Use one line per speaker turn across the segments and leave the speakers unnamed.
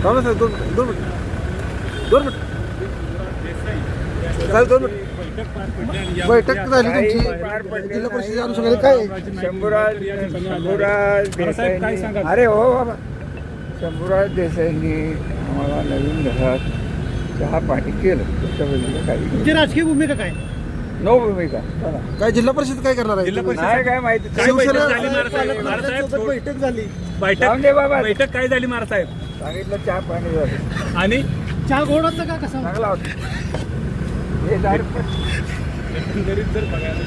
थांबा साहेब, दोन दोन मिनिट, दोन मिनिट साहेब, 2 मिनिट. बैठक झाली तुमची जिल्हा परिषदेच्या अनुषंगाने काय
शंभूराज देसाईंनी, अरे हो बाबा, शंभूराज देसाईंनी आम्हाला नवीन घरात चहा पाणी केलं. त्याच्याबद्दल काही
तुमची राजकीय भूमिका काय?
नो भूमिका. चला.
काय जिल्हा परिषद काय करणार आहे?
नाही काय माहिती.
शिवसेना
बैठक झाली.
जाऊन दे बाबा.
बैठक काय झाली महाराज
सांगितलं चहा पाणी झालं.
आणि
चहा गोड होता का कसा?
चांगला होता. हे झाड
एकंदरीत जर बघायला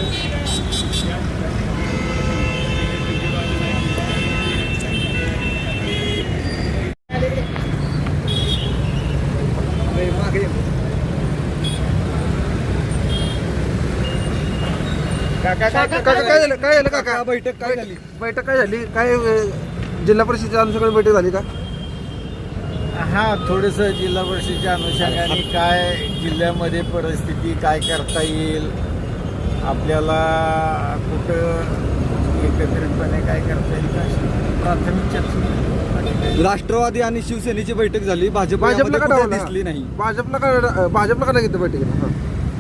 काका काय झालं काका? बैठक काय झाली? बैठक काय झाली? काय जिल्हा परिषदेच्या अनुषंगाने बैठक झाली का?
हा, थोडंसं जिल्हा परिषदेच्या अनुषंगाने काय जिल्ह्यामध्ये परिस्थिती काय करता येईल, आपल्याला कुठं एकत्रितपणे काय करता येईल का अशी प्राथमिक चर्चा.
राष्ट्रवादी आणि शिवसेनेची बैठक झाली.
भाजपला का
कुठे
डावललं?
दिसली नाही.
भाजपला का नाही घेतलं बैठकीला?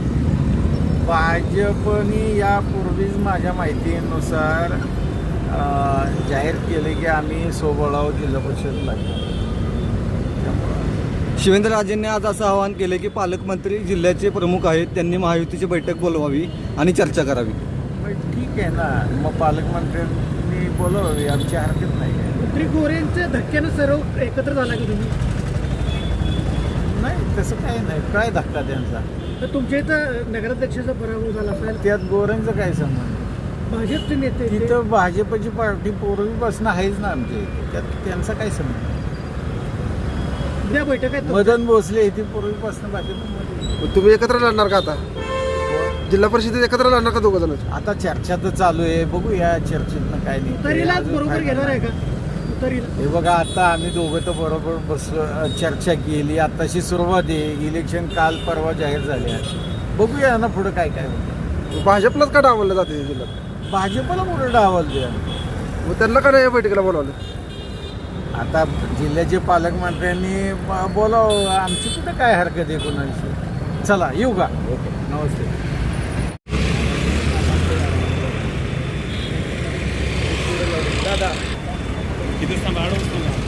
भाजपने यापूर्वीच माझ्या माहितीनुसार जाहीर केले की आम्ही सोबळाव जिल्हा परिषद लागतो.
शिवेंद्रराजेंनी आज असं आवाहन केले की पालकमंत्री जिल्ह्याचे प्रमुख आहेत, त्यांनी महायुतीची बैठक बोलवावी आणि चर्चा करावी.
मग ठीक आहे ना, मग पालकमंत्र्यांनी बोलवावी, आमची हरकत नाही आहे.
मंत्री गोरेंच्या धक्क्यानं सर्व एकत्र झाला की तुम्ही?
नाही, तसं काही नाही. काय धक्का त्यांचा?
तर तुमच्या इथं नगराध्यक्षाचा पराभव झाला असेल,
त्यात गोऱ्यांचं काय संबंध?
भाजपचे नेते ते-
तिथं भाजपची पार्टी पूर्वीपासून आहेच ना आमच्या इथे, त्यात त्यांचा काय संबंध?
उद्या बैठक आहे.
मदन भोसले इथे पूर्वीपासून भाजपमध्ये.
तुम्ही एकत्र लढणार का आता? जिल्हा परिषदेत एकत्र लढणार का दोघं जण?
आता चर्चा तर चालू आहे, बघूया चर्चेतनं काय नाही.
उतारीलाच बरोबर घेणार आहे का? उतारीला
हे बघा, आता आम्ही दोघं तर बरोबर बसलो, चर्चा केली. आताशी सुरुवात आहे. इलेक्शन काल परवा जाहीर झाले आहे. बघूया ना पुढं काय काय होतं.
भाजपलाच का डावललं जाते जिल्ह्यात?
भाजपला पुढं डावल द्या.
मग त्यांना का नाही या बैठकीला बोलावलं?
आता जिल्ह्याचे पालकमंत्र्यांनी बोलावं, आमची कुठं काय हरकत आहे कोणाची. चला येऊ का? ओके, नमस्ते.
दादा किती सांभाळ असतो ना.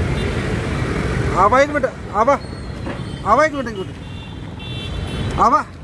आबा एक मिनिट, आबा एक मिनिट. आबा